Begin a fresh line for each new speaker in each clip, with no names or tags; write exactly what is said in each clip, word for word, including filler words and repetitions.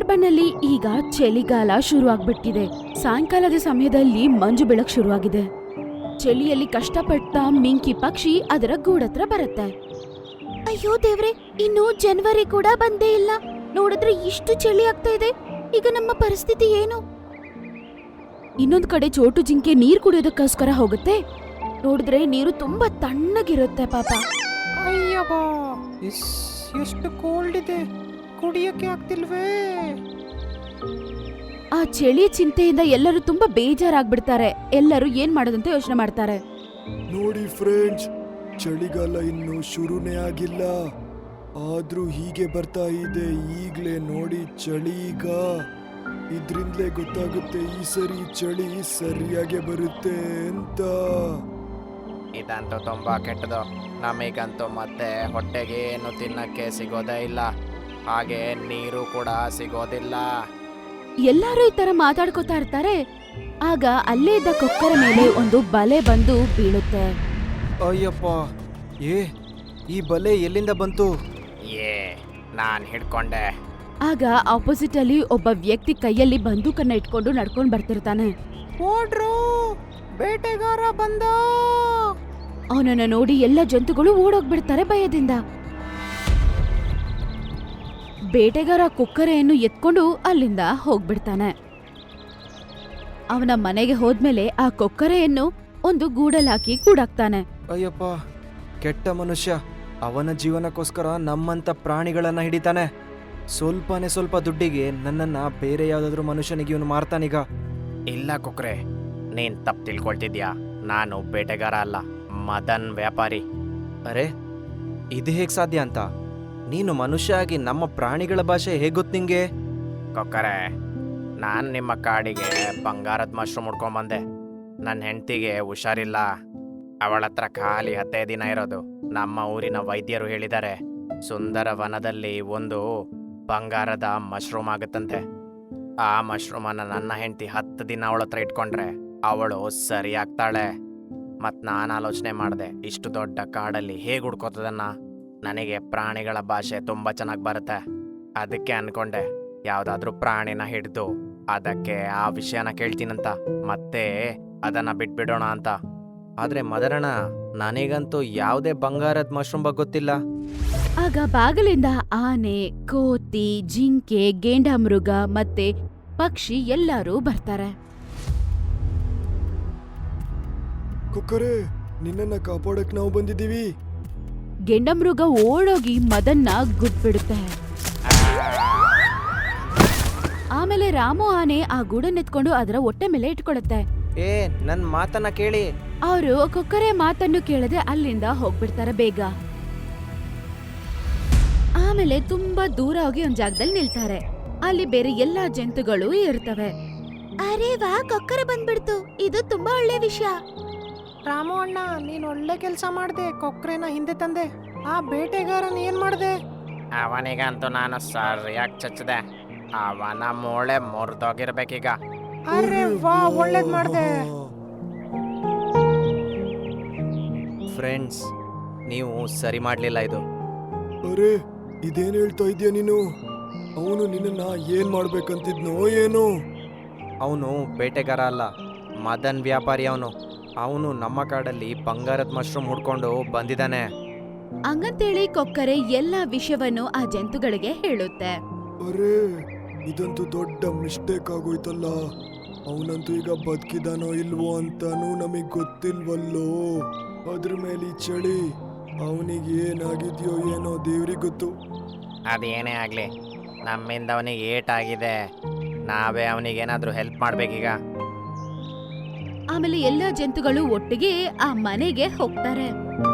ಸುಂದರ್ಬನ್ನಲ್ಲಿ ಈಗ ಚಳಿಗಾಲ ಶುರು ಆಗ್ಬಿಟ್ಟಿದೆ. ಸಾಯಂಕಾಲದ ಸಮಯದಲ್ಲಿ ಮಂಜು ಬೀಳಕ್ ಶುರುವಾಗಿದೆ. ಚಳಿಯಲ್ಲಿ ಕಷ್ಟಪಟ್ಟ ಮಿಂಕಿ ಪಕ್ಷಿ ಅದರ ಗೂಡತ್ರ ಬರುತ್ತೆ. ಅಯ್ಯೋ ದೇವ್ರೆ, ಇನ್ನು ಜನವರಿ ಕೂಡ ಬಂದೇ ಇಲ್ಲ. ನೋಡಿದ್ರೆ ಇಷ್ಟು ಚಳಿ ಆಗ್ತಾ ಇದೆ. ಈಗ ನಮ್ಮ ಪರಿಸ್ಥಿತಿ ಏನು? ಇನ್ನೊಂದ್ ಕಡೆ ಚೋಟು ಜಿಂಕೆ ನೀರ್ ಕುಡಿಯೋದಕ್ಕೋಸ್ಕರ ಹೋಗುತ್ತೆ. ನೋಡಿದ್ರೆ ನೀರು ತುಂಬಾ ತಣ್ಣಗಿರುತ್ತೆ ಪಾಪ.
ಅಯ್ಯಪ್ಪ, ಎಷ್ಟು ಕೋಲ್ಡ್ ಇದೆ, ಕುಡಿಯಕ್ಕೆ ಆಗ್ತಿಲ್ವೇ.
ಆ ಚಳಿ ಚಿಂತೆಯಿಂದ ಎಲ್ಲರೂ ತುಂಬಾ ಬೇಜಾರಾಗ್ಬಿಡ್ತಾರೆ. ಎಲ್ಲರೂ ಏನ್ ಮಾಡೋದಂತ ಯೋಚನೆ ಮಾಡ್ತಾರೆ.
ನೋಡಿ ಫ್ರೆಂಡ್ಸ್, ಚಳಿಗಾಲ ಇನ್ನು ಶುರುನೇ ಆಗಿಲ್ಲ, ಆದ್ರೂ ಹೀಗೆ ಬರ್ತಾ ಇದೆ. ಈಗ್ಲೇ ನೋಡಿ ಚಳಿ. ಈಗ ಇದ್ರಿಂದಲೇ ಗೊತ್ತಾಗುತ್ತೆ ಈ ಸರಿ ಚಳಿ ಸರಿಯಾಗಿ ಬರುತ್ತೆ ಅಂತ.
ಇದಂತೂ ತುಂಬಾ ಕೆಟ್ಟದು. ನಮಗಂತೂ ಮತ್ತೆ ಹೊಟ್ಟೆಗೆ ಏನು ತಿನ್ನಕ್ಕೆ ಸಿಗೋದೇ ಇಲ್ಲ, ಹಾಗೆ ನೀರು ಕೂಡ ಸಿಗೋದಿಲ್ಲ.
ಎಲ್ಲಾರು ಈ ತರ ಮಾತಾಡ್ಕೋತಾ ಇರ್ತಾರೆ. ಆಗ ಅಲ್ಲೇ ಇದ್ದ ಕೊಕ್ಕರ ಮೇಲೆ ಒಂದು ಬಲೆ ಬಂದು ಬೀಳುತ್ತೆ.
ಅಯ್ಯಪ್ಪ, ಏ ಈ ಬಲೆ ಎಲ್ಲಿಂದ ಬಂತು?
ಏ ನಾನ್ ಹಿಡ್ಕೊಂಡೆ.
ಆಗ ಆಪೋಸಿಟ್ ಅಲ್ಲಿ ಒಬ್ಬ ವ್ಯಕ್ತಿ ಕೈಯಲ್ಲಿ ಬಂದೂಕನ್ನ ಇಟ್ಕೊಂಡು ನಡ್ಕೊಂಡ್ ಬರ್ತಿರ್ತಾನೆ.
ಓಡ್ರು, ಬೇಟೆಗಾರ ಬಂದ.
ಅವನನ್ನ ನೋಡಿ ಎಲ್ಲ ಜಂತುಗಳು ಓಡೋಗ್ಬಿಡ್ತಾರೆ ಭಯದಿಂದ. ಬೇಟೆಗಾರ ಕೊಕ್ಕರೆಯನ್ನು ಎತ್ಕೊಂಡು ಅಲ್ಲಿಂದ ಹೋಗ್ಬಿಡ್ತಾನೆ. ಅವನ ಮನೆಗೆ ಹೋದ್ಮೇಲೆ ಆ ಕೊಕ್ಕರೆಯನ್ನು ಒಂದು ಗೂಡಲಾಕಿ ಕೂಡಾಕ್ತಾನೆ.
ಅಯ್ಯಪ್ಪ, ಕೆಟ್ಟ ಮನುಷ್ಯ. ಅವನ ಜೀವನಕ್ಕೋಸ್ಕರ ನಮ್ಮಂತ ಪ್ರಾಣಿಗಳನ್ನ ಹಿಡಿತಾನೆ. ಸ್ವಲ್ಪನೇ ಸ್ವಲ್ಪ ದುಡ್ಡಿಗೆ ನನ್ನನ್ನ ಬೇರೆ ಯಾವ್ದಾದ್ರು ಮನುಷ್ಯನಿಗೆ ಇವನು ಮಾರ್ತಾನೀಗ.
ಇಲ್ಲ ಕೊಕ್ರೆ, ನೀನ್ ತಪ್ಪು ತಿಳ್ಕೊಳ್ತಿದ್ಯಾ. ನಾನು ಬೇಟೆಗಾರ ಅಲ್ಲ, ಮದನ್ ವ್ಯಾಪಾರಿ.
ಅರೆ, ಇದು ಹೇಗ್ ಸಾಧ್ಯ ಅಂತ? ನೀನು ಮನುಷ್ಯ ಆಗಿ ನಮ್ಮ ಪ್ರಾಣಿಗಳ ಭಾಷೆ ಹೇಗ್ ಗೊತ್ತು ನಿಂಗೆ?
ಕೊಕ್ಕರೆ, ನಾನು ನಿಮ್ಮ ಕಾಡಿಗೆ ಬಂಗಾರದ ಮಶ್ರೂಮ್ ಹುಡ್ಕೊಂಬಂದೆ. ನನ್ನ ಹೆಂಡತಿಗೆ ಹುಷಾರಿಲ್ಲ, ಅವಳ ಹತ್ರ ಖಾಲಿ ಹತ್ತೈದು ದಿನ ಇರೋದು. ನಮ್ಮ ಊರಿನ ವೈದ್ಯರು ಹೇಳಿದ್ದಾರೆ, ಸುಂದರ ವನದಲ್ಲಿ ಒಂದು ಬಂಗಾರದ ಮಶ್ರೂಮ್ ಆಗುತ್ತಂತೆ. ಆ ಮಶ್ರೂಮನ್ನು ನನ್ನ ಹೆಂಡತಿ ಹತ್ತು ದಿನ ಅವಳ ಹತ್ರ ಇಟ್ಕೊಂಡ್ರೆ ಅವಳು ಸರಿ ಆಗ್ತಾಳೆ. ಮತ್ತು ನಾನು ಆಲೋಚನೆ ಮಾಡಿದೆ, ಇಷ್ಟು ದೊಡ್ಡ ಕಾಡಲ್ಲಿ ಹೇಗೆ ಹುಡ್ಕೋತದನ್ನ. ನನಗೆ ಪ್ರಾಣಿಗಳ ಭಾಷೆ ತುಂಬ ಚೆನ್ನಾಗಿ ಬರುತ್ತೆ. ಅದಕ್ಕೆ ಅನ್ಕೊಂಡೆ ಯಾವುದಾದ್ರೂ ಪ್ರಾಣಿನ ಹಿಡಿದು ಅದಕ್ಕೆ ಆ ವಿಷಯನ ಕೇಳ್ತೀನಂತ, ಮತ್ತೆ ಅದನ್ನು ಬಿಟ್ಬಿಡೋಣ ಅಂತ.
ಆದ್ರೆ ಮದರಣ, ನನಗಂತೂ ಯಾವುದೇ ಬಂಗಾರದ ಮಶ್ರೂಮ್ ಬಗ್ಗೆ ಗೊತ್ತಿಲ್ಲ.
ಆಗ ಬಾಗಿಲಿಂದ ಆನೆ, ಕೋತಿ, ಜಿಂಕೆ, ಗೇಂಡಾಮೃಗ ಮತ್ತೆ ಪಕ್ಷಿ ಎಲ್ಲರೂ ಬರ್ತಾರೆ.
ಕೊಕ್ಕರೆ, ನಿನ್ನನ್ನ ಕಾಪಾಡಕ್ ನಾವು ಬಂದಿದ್ದೀವಿ.
ಗೆಂಡಮೃಗ ಓಡೋಗಿ ಮದನ್ನ ಗುದ್ಬಿಡುತ್ತೆ. ಆಮೇಲೆ ರಾಮು ಆನೆ ಆ ಗೂಡನ್ನೆತ್ಕೊಂಡು ಅದರ ಹೊಟ್ಟೆ ಮೇಲೆ ಇಟ್ಕೊಳುತ್ತೆ.
ಏ, ನನ್ ಮಾತನ್ನ ಕೇಳಿ.
ಅವರು ಕೊಕ್ಕರೆ ಮಾತನ್ನು ಕೇಳದೆ ಅಲ್ಲಿಂದ ಹೋಗ್ಬಿಡ್ತಾರೆ ಬೇಗ. ಆಮೇಲೆ ತುಂಬಾ ದೂರ ಹೋಗಿ ಒಂದ್ ಜಾಗದಲ್ಲಿ ನಿಲ್ತಾರೆ. ಅಲ್ಲಿ ಬೇರೆ ಎಲ್ಲಾ ಜಂತುಗಳು ಇರ್ತವೆ. ಅರೆ ವಾ, ಕೊಕ್ಕರೆ ಬಂದ್ಬಿಡ್ತು, ಇದು ತುಂಬಾ ಒಳ್ಳೆ ವಿಷಯ.
ರಾಮು ಅಣ್ಣ, ನೀನ್ ಒಳ್ಳೆ ಕೆಲಸ ಮಾಡ್ದೆ. ಕೊಕ್ರೆನ ಹಿಂದೆ ತಂದೆ. ಆ ಬೇಟೆಗಾರನ್ ಏನ್ ಮಾಡ್ದೆ? ಅವನಿಗಂತೂ ನಾನು ಸರಿಯಾಗಿ ಚಚ್ಚಿದೆ. ಅವನ ಮೂಳೆ ಮುರಿದೋಗಿರ್ಬೇಕೀಗ. ಅರೆ ವಾ, ಒಳ್ಳೇದ್ ಮಾಡ್ದೆ.
ಫ್ರೆಂಡ್ಸ್, ನೀವು ಸರಿ ಮಾಡ್ಲಿಲ್ಲ ಇದು.
ಅರೆ, ಇದೇನ್ ಹೇಳ್ತಾ ಇದ್ಯಾ ನೀನು? ಅವನು ನಿನ್ನ ಏನ್ ಮಾಡ್ಬೇಕಂತಿದ್ನೋ ಏನೋ?
ಅವನು ಬೇಟೆಗಾರ ಅಲ್ಲ, ಮದನ್ ವ್ಯಾಪಾರಿ. ಅವನು ಅವನು ನಮ್ಮ ಕಾಡಲ್ಲಿ ಬಂಗಾರದ ಮಶ್ರೂಮ್ ಹುಡ್ಕೊಂಡು ಬಂದಿದ್ದಾನೆ.
ಹಂಗಂತೇಳಿ ಕೊಕ್ಕರೆ ಎಲ್ಲಾ ವಿಷಯವನ್ನು ಆ ಜಂತುಗಳಿಗೆ ಹೇಳುತ್ತೆ.
ಅರೆ, ಇದಂತೂ ದೊಡ್ಡ ಮಿಸ್ಟೇಕ್ ಆಗೋಯ್ತಲ್ಲ. ಅವನಂತೂ ಈಗ ಬದುಕಿದಾನೋ ಇಲ್ವೋ ಅಂತಾನೂ ನಮಗ್ ಗೊತ್ತಿಲ್ವಲ್ಲೋ. ಅದ್ರ ಮೇಲೆ ಚಳಿ, ಅವನಿಗೆ ಏನಾಗಿದ್ಯೋ ಏನೋ ದೇವ್ರಿಗೆ ಗೊತ್ತು.
ಅದೇನೇ ಆಗ್ಲಿ, ನಮ್ಮಿಂದ ಅವನಿಗೆ ಏಟಾಗಿದೆ. ನಾವೇ ಅವನಿಗೇನಾದ್ರೂ ಹೆಲ್ಪ್ ಮಾಡ್ಬೇಕೀಗ.
ಆಮೇಲೆ ಎಲ್ಲಾ ಜಂತುಗಳು ಒಟ್ಟಿಗೆ ಆ ಮನೆಗೆ ಹೋಗ್ತಾರೆ.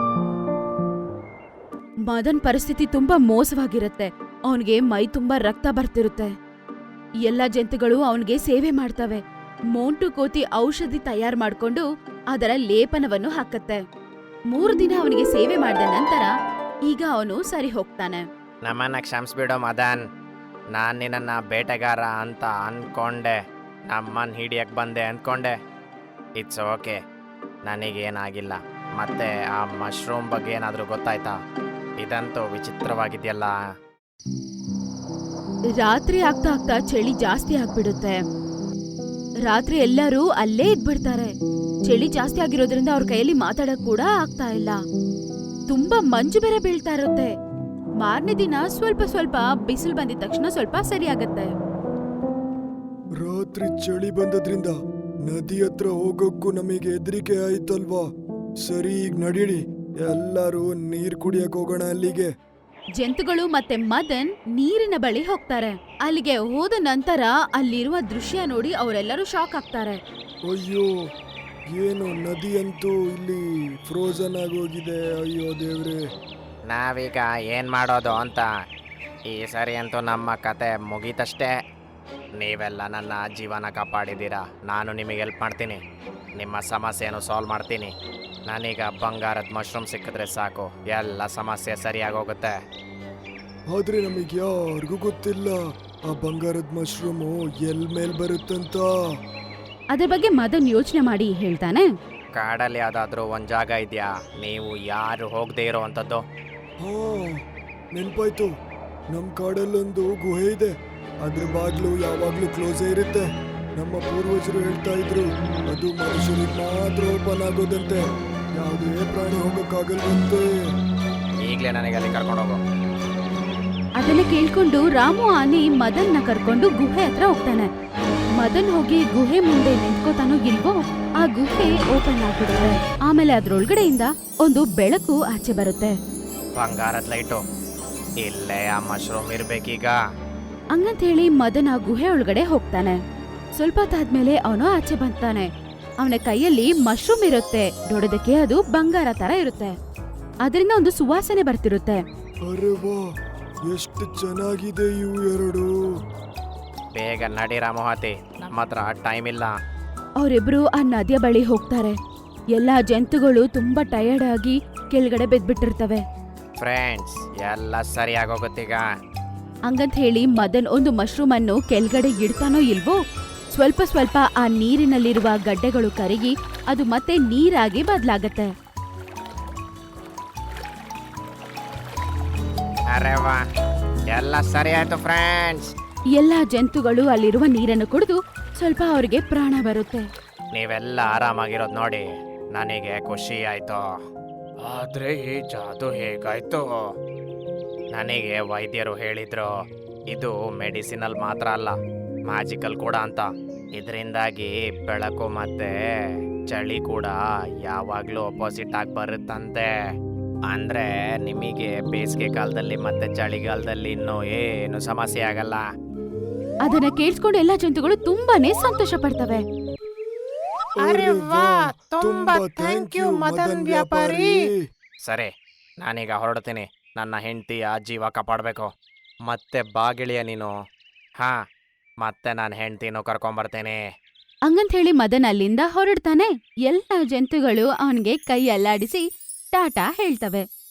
ಮದನ್ ಪರಿಸ್ಥಿತಿ ತುಂಬಾ ಮೋಸವಾಗಿರುತ್ತೆ. ಅವನಿಗೆ ಮೈ ತುಂಬಾ ರಕ್ತ ಬರ್ತಿರುತ್ತೆ. ಎಲ್ಲಾ ಜಂತುಗಳು ಅವನಿಗೆ ಸೇವೆ ಮಾಡ್ತವೆ. ಮೋಂಟು ಕೋತಿ ಔಷಧಿ ತಯಾರು ಮಾಡ್ಕೊಂಡು ಅದರ ಲೇಪನವನ್ನು ಹಾಕತ್ತೆ. ಮೂರು ದಿನ ಅವನಿಗೆ ಸೇವೆ ಮಾಡಿದ ನಂತರ ಈಗ ಅವನು ಸರಿ ಹೋಗ್ತಾನೆ.
ನಮ್ಮನ್ನ ಕ್ಷಮಿಸ್ಬಿಡೋ ಮದನ್, ನಾನ್ ನಿನ್ನ ಬೇಟೆಗಾರ ಅಂತ ಅನ್ಕೊಂಡೆ. ನಮ್ಮನ್ ಹಿಡಿಯಕ್ ಬಂದೆ ಅನ್ಕೊಂಡೆ. ಇಟ್ಸ್ ಓಕೆ, ನನಗೇನಾಗಿಲ್ಲ. ಮತ್ತೆ ಆ ಮಶ್ರೂಮ್ ಬಗ್ಗೆ ಏನಾದರೂ ಗೊತ್ತಾಯ್ತಾ? ಇದಂತೂ ವಿಚಿತ್ರವಾಗಿದೆಯಲ್ಲ.
ರಾತ್ರಿ ಆಗ್ತಾ ಆಗ್ತಾ ಚಳಿ ಜಾಸ್ತಿ ಆಗ್ಬಿಡುತ್ತೆ. ರಾತ್ರಿ ಎಲ್ಲರೂ ಅಲ್ಲೇ ಇದ್ಬಿಡ್ತಾರೆ. ಚಳಿ ಜಾಸ್ತಿ ಆಗಿರೋದ್ರಿಂದ ಅವ್ರ ಕೈಯಲ್ಲಿ ಮಾತಾಡಕ್ ಕೂಡ ಆಗ್ತಾ ಇಲ್ಲ. ತುಂಬಾ ಮಂಜು ಬೇರೆ ಬೀಳ್ತಾ ಇರುತ್ತೆ. ಮಾರನೇ ದಿನ ಸ್ವಲ್ಪ ಸ್ವಲ್ಪ ಬಿಸಿಲು ಬಂದಿದ ತಕ್ಷಣ ಸ್ವಲ್ಪ ಸರಿ ಆಗತ್ತೆ.
ರಾತ್ರಿ ಚಳಿ ಬಂದದ್ರಿಂದ ನದಿ ಹತ್ರ ಹೋಗೋಕ್ಕೂ ನಮಗೆ ಹೆದರಿಕೆ ಆಯ್ತಲ್ವಾ? ಸರಿ, ಈಗ ನಡೀರಿ, ಎಲ್ಲರೂ ನೀರ್ ಕುಡಿಯಕ್ ಹೋಗೋಣ ಅಲ್ಲಿಗೆ.
ಜಂತುಗಳು ಮತ್ತೆ ಮದನ್ ನೀರಿನ ಬಳಿ ಹೋಗ್ತಾರೆ. ಅಲ್ಲಿಗೆ ಹೋದ ನಂತರ ಅಲ್ಲಿರುವ ದೃಶ್ಯ ನೋಡಿ ಅವರೆಲ್ಲರೂ ಶಾಕ್ ಆಗ್ತಾರೆ.
ಅಯ್ಯೋ, ಏನು ನದಿ ಅಂತೂ ಇಲ್ಲಿ ಫ್ರೋಜನ್ ಆಗೋಗಿದೆ. ಅಯ್ಯೋ ದೇವ್ರೆ.
ನಾವೀಗ ಏನು ಮಾಡೋದು ಅಂತ. ಈ ಸರಿ ಅಂತೂ ನಮ್ಮ ಕತೆ ಮುಗೀತಷ್ಟೇ. ನೀವೆಲ್ಲ ನನ್ನ ಜೀವನ ಕಾಪಾಡಿದ್ದೀರಾ. ನಾನು ನಿಮಗೆ ಹೆಲ್ಪ್ ಮಾಡ್ತೀನಿ. ನಿಮ್ಮ ಸಮಸ್ಯೆಯನ್ನು ಸಾಲ್ವ್ ಮಾಡ್ತೀನಿ. ನಾನೀಗ ಬಂಗಾರದ ಮಶ್ರೂಮ್ ಸಿಕ್ಕಿದ್ರೆ ಸಾಕು, ಎಲ್ಲ ಸಮಸ್ಯೆ ಸರಿಯಾಗೋಗುತ್ತೆ.
ಆದ್ರೆ ನಮಗೆ ಯಾರಿಗೂ ಗೊತ್ತಿಲ್ಲ ಆ ಬಂಗಾರದ ಮಶ್ರೂಮು ಎಲ್ ಮೇಲ್ ಬರುತ್ತಂತ.
ಅದ್ರ ಬಗ್ಗೆ ಮದನ್ ಯೋಚನೆ ಮಾಡಿ ಹೇಳ್ತಾನೆ.
ಕಾಡಲ್ಲಿ ಯಾವ್ದಾದ್ರೂ ಒಂದು ಜಾಗ ಇದೆಯಾ ನೀವು ಯಾರು ಹೋಗದೆ ಇರೋ ಅಂಥದ್ದು?
ಹಾ, ನೆನ್ಪಾಯ್ತು. ನಮ್ ಕಾಡಲ್ಲೊಂದು ಗುಹೆ ಇದೆ. ಅದ್ರ ಬಾಗ್ಲು ಯಾವಾಗ್ಲೂ ಕ್ಲೋಸೇ ಇರುತ್ತೆ. ನಮ್ಮ ಪೂರ್ವಜರು ಹೇಳ್ತಾ ಇದ್ರು, ಅದು ಮನುಷ್ಯರಿಗೆ ಮಾತ್ರ ಓಪನ್ ಆಗೋದಂತೆ, ಯಾವುದೇ ಪ್ರಾಣಿ ಹೋಗಕ್ಕಾಗಲ್ವಂತೆ.
ಈಗಲೇ ನನಗೆ ಅಲ್ಲಿ ಕರ್ಕೊಂಡು ಹೋಗು.
ಅದನ್ನ ಕೇಳ್ಕೊಂಡು ರಾಮು ಆನೆ ಮದನ್ನ ಕರ್ಕೊಂಡು ಗುಹೆ ಹತ್ರ ಹೋಗ್ತಾನೆ. ಮದನ್ ಹೋಗಿ ಗುಹೆ ಮುಂದೆ ನಿಂತ್ಕೋತಾನೋ ಇಲ್ವೋ, ಆ ಗುಹೆ ಓಪನ್ ಆಗ್ಬಿಡುತ್ತೆ. ಆಮೇಲೆ ಅದ್ರೊಳಗಡೆಯಿಂದ ಒಂದು ಬೆಳಕು ಆಚೆ ಬರುತ್ತೆ.
ಬಂಗಾರದ ಲೈಟು. ಇಲ್ಲೇ ಆ ಮಶ್ರೂಮ್ ಇರ್ಬೇಕೀಗ.
ಹಂಗಂತ ಹೇಳಿ ಮದನ್ ಆ ಗುಹೆ ಒಳಗಡೆ ಹೋಗ್ತಾನೆ. ಸ್ವಲ್ಪ ಹೊತ್ತಾದ್ಮೇಲೆ ಅವನು ಆಚೆ ಬರ್ತಾನೆ. ಅವನ ಕೈಯಲ್ಲಿ ಮಶ್ರೂಮ್ ಇರುತ್ತೆ. ನೋಡೋದಕ್ಕೆ ಅದು ಬಂಗಾರ ತರ ಇರುತ್ತೆ. ಅದರಿಂದ ಒಂದು ಸುವಾಸನೆ ಬರ್ತಿರುತ್ತೆ.
ಅರೆ ವಾ, ಎಷ್ಟು ಚೆನ್ನಾಗಿದೆ ಇವು ಎರಡು.
ಬೇಗ ನಡಿ ರಾಮೋಹತಿ, ನಮ್ಮ ಹತ್ರ ಟೈಮ್ ಇಲ್ಲ.
ಅವರಿಬ್ರು ಆ ನದಿಯ ಬಳಿ ಹೋಗ್ತಾರೆ. ಎಲ್ಲಾ ಜಂತುಗಳು ತುಂಬಾ ಟಯರ್ಡ್ ಆಗಿ ಕೆಳಗಡೆ ಬಿದ್ಬಿಟ್ಟಿರ್ತವೆ.
ಫ್ರೆಂಡ್ಸ್, ಎಲ್ಲ ಸರಿಯಾಗೋಗುತ್ತೀಗ.
ಹಂಗಂತ ಹೇಳಿ ಮದನ್ ಒಂದು ಮಶ್ರೂಮ್ ಅನ್ನು ಕೆಳಗಡೆ ಇಡ್ತಾನೋ ಇಲ್ವೋ, ಸ್ವಲ್ಪ ಸ್ವಲ್ಪ ಆ ನೀರಿನಲ್ಲಿರುವ ಗಡ್ಡೆಗಳು ಕರಗಿ ಅದು ಮತ್ತೆ ನೀರಾಗಿ ಬದಲಾಗತ್ತೆ.
ಅರೆ ವಾ, ಎಲ್ಲ ಸರಿ ಆಯ್ತು ಫ್ರೆಂಡ್ಸ್.
ಎಲ್ಲಾ ಜಂತುಗಳು ಅಲ್ಲಿರುವ ನೀರನ್ನು ಕುಡಿದು ಸ್ವಲ್ಪ ಅವರಿಗೆ ಪ್ರಾಣ ಬರುತ್ತೆ.
ನೀವೆಲ್ಲ ಆರಾಮಾಗಿರೋದು ನೋಡಿ ನನಗೆ ಖುಷಿ ಆಯ್ತು. ಆದ್ರೆ ಈ ಜಾದು ಹೇಗಾಯ್ತು? ನನಗೆ ವೈದ್ಯರು ಹೇಳಿದ್ರು ಇದು ಮೆಡಿಸಿನಲ್ ಮಾತ್ರ ಅಲ್ಲ, ಮ್ಯಾಜಿಕಲ್ ಕೂಡ ಅಂತ. ಇದರಿಂದಾಗಿ ಬೆಳಕು ಮತ್ತೆ ಚಳಿ ಕೂಡ ಯಾವಾಗ್ಲೂ ಅಪೋಸಿಟ್ ಆಗಿ ಬರುತ್ತಂತೆ. ಅಂದ್ರೆ ನಿಮಗೆ ಬೇಸಿಗೆ ಕಾಲದಲ್ಲಿ ಮತ್ತೆ ಚಳಿಗಾಲದಲ್ಲಿ ಇನ್ನೂ ಏನು ಸಮಸ್ಯೆ ಆಗಲ್ಲ.
ಅದನ್ನ ಕೇಳಿಸ್ಕೊಂಡು ಎಲ್ಲಾ ಜಂತುಗಳು ತುಂಬಾನೇ ಸಂತೋಷ ಪಡ್ತವೆ.
ಅರೆ ವಾ, ತುಂಬಾ ಥ್ಯಾಂಕ್ ಯು ಮದನ್ ವ್ಯಾಪಾರಿ.
ಸರಿ, ನಾನೀಗ ಹೊರಡ್ತೀನಿ. ನನ್ನ ಹೆಂಡತಿಯ ಜೀವ ಕಾಪಾಡಬೇಕು. ಮತ್ತೆ ಬಾಗಿಳಿಯ ನೀನು. ಹಾ, ಮತ್ತೆ ನಾನು ಹೆಂಡತಿನೂ ಕರ್ಕೊಂಬರ್ತೇನೆ.
ಹಂಗಂತ ಹೇಳಿ ಮದನ್ ಅಲ್ಲಿಂದ ಹೊರಡ್ತಾನೆ. ಎಲ್ಲಾ ಜಂತುಗಳು ಅವನಿಗೆ ಕೈ ಅಲ್ಲಾಡಿಸಿ ಟಾಟಾ ಹೇಳ್ತವೆ.